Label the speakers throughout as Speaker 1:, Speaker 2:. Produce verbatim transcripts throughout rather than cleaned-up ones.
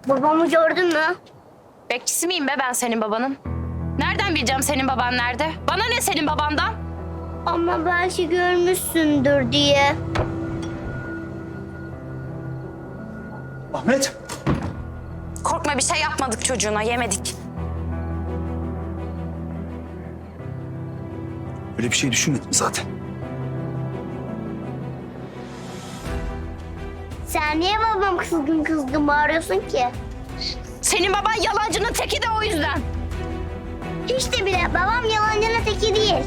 Speaker 1: Babamı gördün mü?
Speaker 2: Bekçisi miyim be ben senin babanın? Nereden bileceğim senin baban nerede? Bana ne senin babandan?
Speaker 1: Ama belki görmüşsündür diye.
Speaker 3: Ahmet.
Speaker 2: Korkma bir şey yapmadık çocuğuna, yemedik.
Speaker 3: Öyle bir şey düşünmedim zaten.
Speaker 1: Sen niye babam kızgın kızgın bağırıyorsun ki?
Speaker 2: Senin baban yalancının teki de o yüzden.
Speaker 1: Hiç de bile babam yalancının teki değil.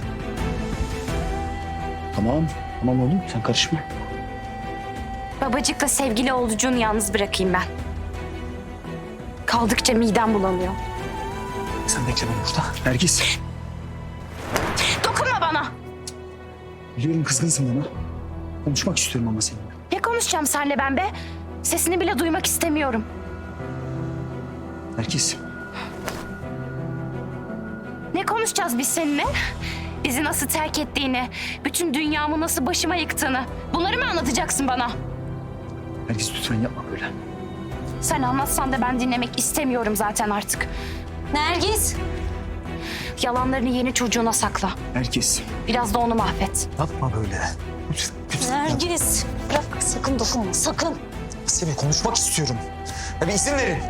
Speaker 3: Tamam. Tamam oğlum sen karışma.
Speaker 2: Babacıkla sevgili oğlucuğunu yalnız bırakayım ben. Kaldıkça midem bulanıyor.
Speaker 3: Sen bekle beni burada. Nergis.
Speaker 2: Dokunma bana.
Speaker 3: Biliyorum kızgınsın bana. Konuşmak istiyorum ama seninle.
Speaker 2: Ne konuşacağım seninle ben be? Sesini bile duymak istemiyorum.
Speaker 3: Nergis.
Speaker 2: Ne konuşacağız biz seninle? Bizi nasıl terk ettiğini, bütün dünyamı nasıl başıma yıktığını. Bunları mı anlatacaksın bana?
Speaker 3: Nergis lütfen yapma böyle.
Speaker 2: Sen anlatsan da ben dinlemek istemiyorum zaten artık. Nergis! Yalanlarını yeni çocuğuna sakla.
Speaker 3: Nergis.
Speaker 2: Biraz da onu mahvet.
Speaker 3: Yapma böyle. Lütfen. lütfen.
Speaker 2: Nergis! Bırak, sakın dokunma, sakın.
Speaker 3: Senin konuşmak istiyorum. Ya bir izin verin.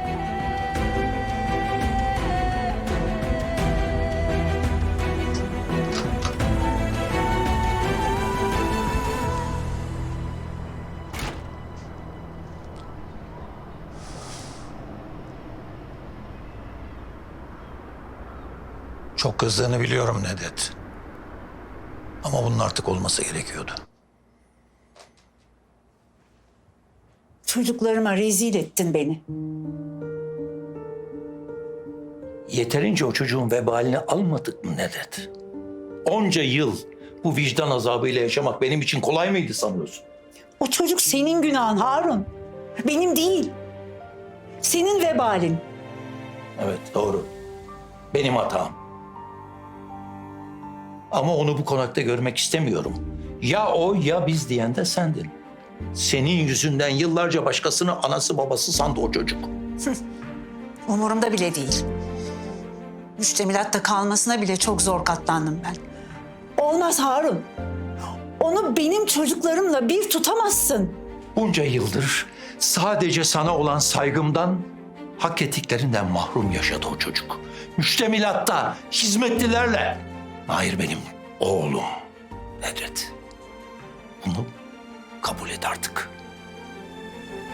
Speaker 4: Çok kızdığını biliyorum Nedet. Ama bunun artık olması gerekiyordu.
Speaker 5: Çocuklarıma rezil ettin beni.
Speaker 4: Yeterince o çocuğun vebalini almadık mı Nedet? Onca yıl bu vicdan azabıyla yaşamak benim için kolay mıydı sanıyorsun?
Speaker 5: O çocuk senin günahın Harun. Benim değil. Senin vebalin.
Speaker 4: Evet doğru. Benim hatam. Ama onu bu konakta görmek istemiyorum. Ya o ya biz diyen de sendin. Senin yüzünden yıllarca başkasını anası babası sandı o çocuk.
Speaker 5: Umurumda bile değil. Müştemilatta kalmasına bile çok zor katlandım ben. Olmaz Harun. Onu benim çocuklarımla bir tutamazsın.
Speaker 4: Bunca yıldır sadece sana olan saygımdan, hak ettiklerinden mahrum yaşadı o çocuk. Müştemilatta, hizmetlilerle. Hayır benim oğlum Nedret. Bunu kabul et artık.